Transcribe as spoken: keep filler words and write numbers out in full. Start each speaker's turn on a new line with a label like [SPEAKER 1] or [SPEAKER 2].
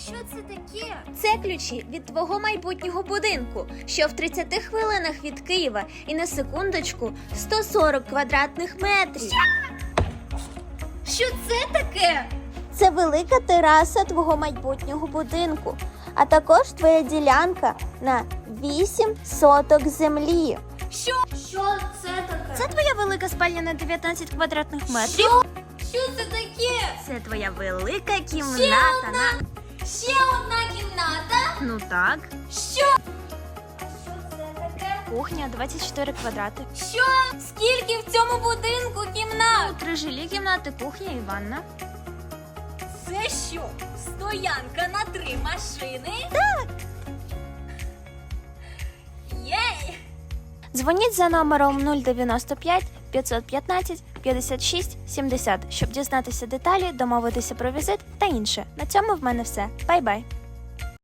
[SPEAKER 1] Що це таке?
[SPEAKER 2] Це ключі від твого майбутнього будинку, що в тридцяти хвилинах від Києва і на секундочку сто сорок квадратних метрів.
[SPEAKER 1] Що це таке?
[SPEAKER 2] Це велика тераса твого майбутнього будинку, а також твоя ділянка на вісім соток землі.
[SPEAKER 1] Що? Що це таке?
[SPEAKER 2] Це твоя велика спальня на дев'ятнадцять квадратних метрів.
[SPEAKER 1] Що? Що це таке?
[SPEAKER 2] Це твоя велика
[SPEAKER 1] Ще
[SPEAKER 2] кімната
[SPEAKER 1] одна,
[SPEAKER 2] на...
[SPEAKER 1] ще одна кімната?
[SPEAKER 2] Ну так.
[SPEAKER 1] Що? Що це таке?
[SPEAKER 2] Кухня двадцять чотири квадрати.
[SPEAKER 1] Що? Скільки в цьому будинку кімнат?
[SPEAKER 2] Три жилі кімнати, кухня і ванна.
[SPEAKER 1] Це що? Стоянка на три машини?
[SPEAKER 2] Так.
[SPEAKER 1] Єй!
[SPEAKER 2] Дзвоніть за номером нуль дев'яносто п'ять п'ятсот п'ятнадцять п'ятдесят шість сімдесят, щоб дізнатися деталі, домовитися про візит та інше. На цьому в мене все. Бай-бай!